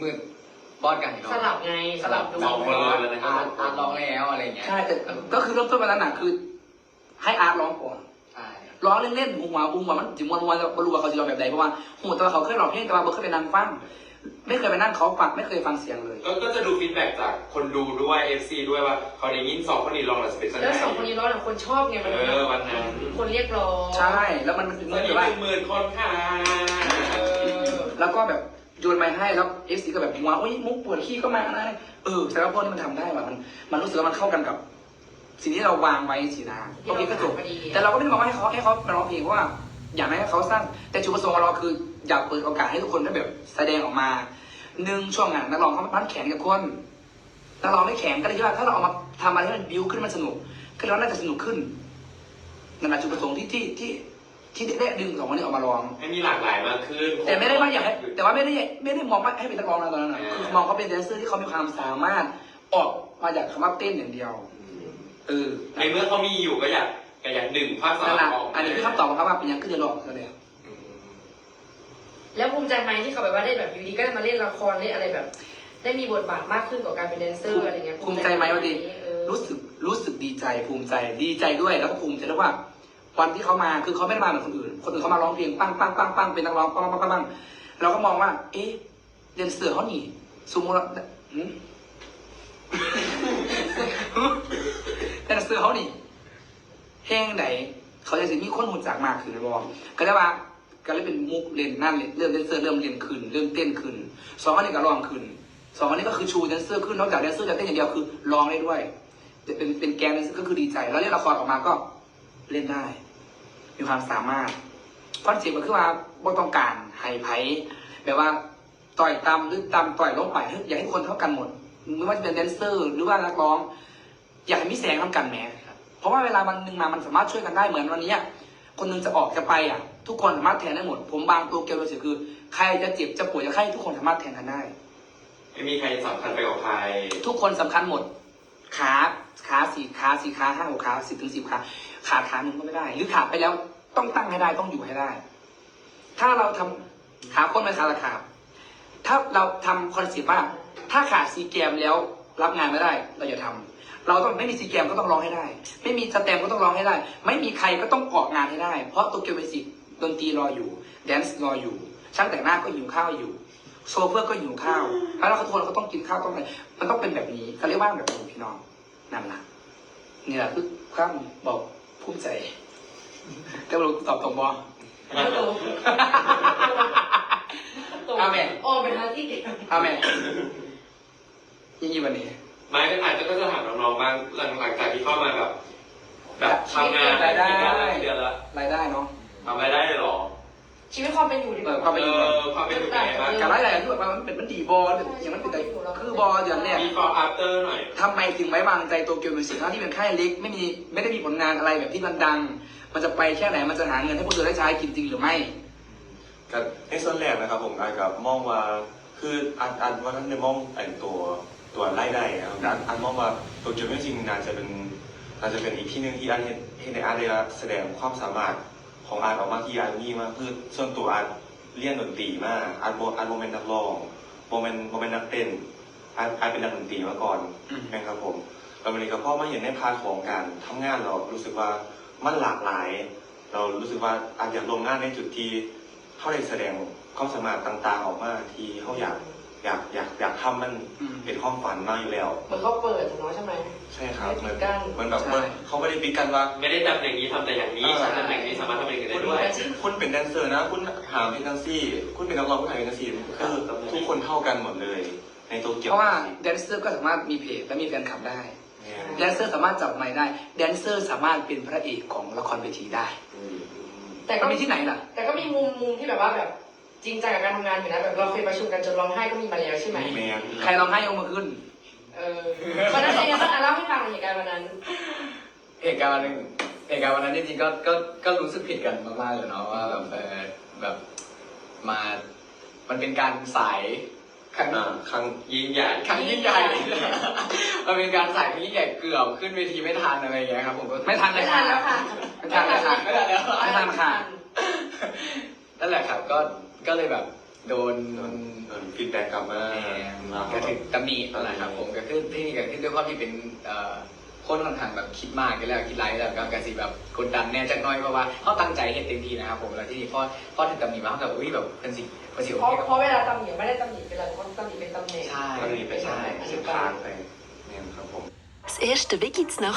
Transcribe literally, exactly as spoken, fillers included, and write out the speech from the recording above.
มืดบอสกันอีกสลับไงสลับดูสองคนเลยนะครับอาร์ตอาร์ตร้องแล้วอะไรเงี้ยใช่แต่ก็คือเริ่มต้นมาแล้วน่ะคือ ให้อาร์ตร้องก่อนใช่ร้องเล่นๆหัวหัวมันถึงวันวันบรรลุว่าเขาจะร้องแบบใดเพราะว่าหัวแต่ว่าเขาเคยร้องเพลงแต่ว่าเขาเคยไปนั่งฟังไม่เคยไปนั่งเขาฟังไม่เคยฟังเสียงเลยก็ก็จะดูฟีดแบ็กจากคนดูด้วย เอฟ ซี ด้วยว่าเขาได้ยินสองคนนี้ลองหรือสเปซแล้วสองคนนี้ร้องหลังคนชอบไงมันเออวันนั้นคนเรียกร้องใช่แล้วมันถึงตเมื่ออนนี้แบบว่าเป็นหมื่นคนค่ะเออแล้วก็แบบโยนไม้ให้แล้วเอฟซีก็แบบหัวโอ้ยมุกปวดขี้ก็มาอะไรเออแต่ว่าพวกนี้มันทำได้ว่ะมันมันรู้สึกว่ามันเข้ากันกับ สิ่งที่เราวางไว้สีนาโอเคก็จบแต่เราก็ไม่ได้บอกว่าให้เขาให้เขามาร้องเพลงเพราะว่าอยากให้เขาสร้างแต่จุดประสงค์ของเราคืออยากเปิดโอกาสให้ทุกคนได้แบบแสดงออกมาหนึ่งช่วงงานนักร้องเขาพันแข็งกับคนนักร้องไม่แข็งก็เลยคิดว่าถ้าเราเอามาทำอะไรให้มันบิวขึ้นมันสนุกก็เราน่าจะสนุกขึ้นนั่นแหละจุดประสงค์ที่ที่ที่ที่ได้ดึงสองคนนี้ออกมาร้องให้มีหลากหลายมากขึ้นแต่ไม่ได้ว่าอยากให้แต่ว่าไม่ได้ไม่ได้มองว่าให้เป็นนักร้องนะตอนนั้นนะคือมองเขาเป็นแดนเซอร์ที่เขามีความสามารถออกมาจากคำว่าเต้นอย่างเดียวเออในเมื่อเขามีอยู่ก็อยากก็อยากดึงภาคสานั่มนแหละออกอันนี้คือคำตอบของเขาว่าเป็นยังขึ้นจะหลอกเขาเลยแล้วภูมิใจไหมที่เขาแบบว่าได้แบบอยู่ดีก็ได้มาเล่นละครเล่นอะไรแบบ ได้มีบทบาทมากขึ้นกว่าการเป็นแดนเซอร์อะไรเงี้ยภูมิใจไหมวะดิเออรู้สึกรู้สึกดีใจภูมิใจดีใจด้วยแล้วก็ภูมิใจด้วยว่าวันที่เขามาคือเขาไม่ได้มาเหมือนคนอื่น คนอื่นเขามาร้องเพลงปังปังปังปังเป็นนักร้องปังปังปังปังเราก็มองว่า เอ๊ะแดนเซอร์เขาหนีสมมติว่าหืม แดนเซอร์เขาหนีเพลงไหนเขาจะมีคนหุ่นจากมากขึ้นนะบอกก็ได้ว่าก็เลยเป็นมุกเล่นนั่นเลยเริ่มแดนเซอร์เริ่มเล่นขึ้นเริ่มเต้นขึ้นสองคนนี้ก็ร้องขึ้นสองคนนี้ก็คือชูแดนเซอร์ขึ้นนอกจากแดนเซอร์จะเต้นอย่างเดียวคือร้องได้ด้วยเป็นเป็นแกนแดนเซอร์ก็คือดีใจแล้วเล่นละครออกมาก็เล่นได้ มีความสามารถคอนเซ็ปต์ก็คือว่าบ่ต้องการไฮไพแบบว่าต่อยตำหรือตำต่อยลงไปอยากให้คนเท่ากันหมดไม่ว่าจะเป็นแดนเซอร์หรือว่านักร้อง อยากให้มีแสงเท่ากันแหมเพราะว่าเวลาวันหนึ่งมามันสามารถช่วยกันได้เหมือนวันนี้คนหนึงจะออกจะไปอ่ะ ทุกคนสามารถแทนได้หมด ผมบางตัวเกลียวโดยเฉพาะคือใครจะเจ็บจะป่วยจะไข้ทุกคนสามารถแทนกันได้ไม่มีใครสำคัญไปกว่าใครทุกคนสำคัญหมด ขาขาสี่ขาสี่ขาห้าหกขาสิบถึงสิบขาขาขาหนึ่งก็ไม่ได้ หรือขาไปแล้วต้องตั้งให้ได้ต้องอยู่ให้ได้ ถ้าเราทำขาคนไม่ขาละขาถ้าเราทำคอนเซ็ปต์ว่าถ้าขาดซีเกมแล้วรับงานไม่ได้ เราอย่าทำเราต้องไม่มีซีเกมก็ต้องร้องให้ได้ ไม่มีสแตมก็ต้องร้องให้ได้ ไม่มีใครก็ต้องออกงานให้ได้ เพราะโตเกียวมิวสิกดนตรีรออยู่แดนซ์รออยู่ช่างแต่งหน้าก็หิวข้าวอยู่โซเฟอร์ก็หิวข้าวแล้วเขาทุกคนเขาต้องกินข้าวต้องอะไรมันต้องเป็นแบบนี้เขาเรียกว่าแบบนี้พี่น้องนั่นแหละนี่แหละคือความบอกภูมิใจแต่เราตอบตรงบอไม่ตรงตรงอาเมนอ๋อเป็นทางที่เก่งอาเมนยี่ยี่วันนี้ไม่ก็อาจจะก็จะถามน้องๆบ้างหลังหลังจากที่เข้ามาแบบ แบบทำงานรายได้เดือนละรายได้เนาะทำรายได้เลยเหรอชีวิตความเป็นอยู่ดีกเอว่าอความเป็นอยู่เออความเป็นอยู่เป็นไงบ้างการรายได้คือแบบมันเป็นมันดีบอลอย่างมันเป็นแต่คือบอลอย่างเนี้ยมี before after หน่อยทำไมถึงไว้วางใจโตเกียวมิวสิกทั้งที่เป็นค่ายเล็กไม่มีไม่ได้มีผลงานอะไรแบบที่มันดัง มันจะไปแค่ไหนมันจะหาเงินให้พวกเธอได้ใช้กินจริงหรือไม่กับในส่วนแรกนะครับผมอาจกับมองว่าคืออันอันว่าท่านในมองไอ้ตัวตัวไล่ได้นะครับอันอันมองว่าตัวจุดไม่จริงน่าจะเป็นน่าจะเป็นอีกที่หนึ่งที่อันเห็นเห็นในอาร์ตได้แสดงความสามารถของอาร์ตออกมาที่อาร์ตนี่มากคือส่วนตัวอาร์ตเรียนดนตรีมากอาร์ตโมอาร์ตโมเมนต์นักร้องโมเมนต์โมเมนต์นักเต้นอาร์ตอาร์ตเป็นนักดนตรีมาก่อนอืมนะครับผมแล้ววันนี้ก็พอมาเห็นในพาร์ทของการทำงานเรารู้สึกว่ามันหลากหลาย เรารู้สึกว่าอาจอยากลงงานในจุดที่เขาได้แสดงความสามารถต่างๆออกมาที่เขาอยากอยากอยากอยากทำมันอืมเป็นความฝันมากอยู่แล้วเหมือนเขาเปิดเนาะใช่ไหมใช่ครับไม่มันปิดกั้นมันแบบใช่ว่าเขาไม่ได้ปิดกันว่าไม่ได้จำอย่างนี้ทำแต่อย่างนี้เออฉันทำอย่างนี้สามารถทำอย่างนี้คุได้ณด้วยคุณเป็นแดนเซอร์นะ คุณหาเพลงแดนซี่ คุณเป็นนักร้องคุณหาเพลงแดนซี่คือทุกคนเท่ากันหมดเลย ในโตเกียวเพราะว่าแดนเซอร์ก็สามารถมีเพจและมีแฟนคลับได้เนี่ยแดนเซอร์สามารถจับไมค์ได้แดนเซอร์สามารถเป็นพระเอกของละครเวทีได้อืมแต่ก็ก็มีที่ไหนล่ะแต่ก็มีมุมมุมที่แบบว่าแบบจริงจังกับการทำงานอยู่นะแบบเราเคยประชุมกันจนร้องไห้ก็มีมาแล้วใช่ไหมแมนใครร้องไห้ยกมือขึ้นเออวันนั้นเป็นยังไงบ้างอ่ะเล่าให้ฟังหน่อยเหตุการณ์วันนั้นเหตุการณ์วันหนึ่งเหตุการณ์วันนั้นจริงๆก็ก็ก็รู้สึกผิดกันมากๆเลยเนาะว่าแบบเออแบบมา มันเป็นการสายครั้งอ่าครั้งยิ่งใหญ่ครั้งยิ่งใหญ่ มันเป็นการสายครั้งยิ่งใหญ่เกือบขึ้นเวทีไม่ทันอะไรอย่างเงี้ยครับผมก็ไม่ทันเลไม่ยทันแล้วค่ะไม่ทันเลยค่ะไม่ทันแล้วไม่ทันค่ะนั่นแหละครับก็ก็เลยแบบโดนโดนโดนฟีดแบ็กกลับมาแหมก็ถึงตำหนินะครับผมก็คือที่นี่ก็คือด้วยความที่เป็นเอ่อคนค่อนข้างแบบคิดมากกันแล้วคิดไรแล้วก็กระสีแบบกดดันแน่จักหน้อยเพราะว่าเขาตั้งใจเฮ็ดเต็มที่นะครับผมแล้วที่นี่พอพอถึงตำหนิมาเขาแบบอุ้ยแบบเป็นสิ่งเป็นสิ่งเพราะที่เพราะเวลาตำหนิไม่ได้ตำหนิเป็นอะไรเพราะตำหนิเป็นตำแหน่งใช่ก็เลยไปใช่ใช่ใช่เส้นทางไปเนี่ยครับผม Das erste Wie geht's nach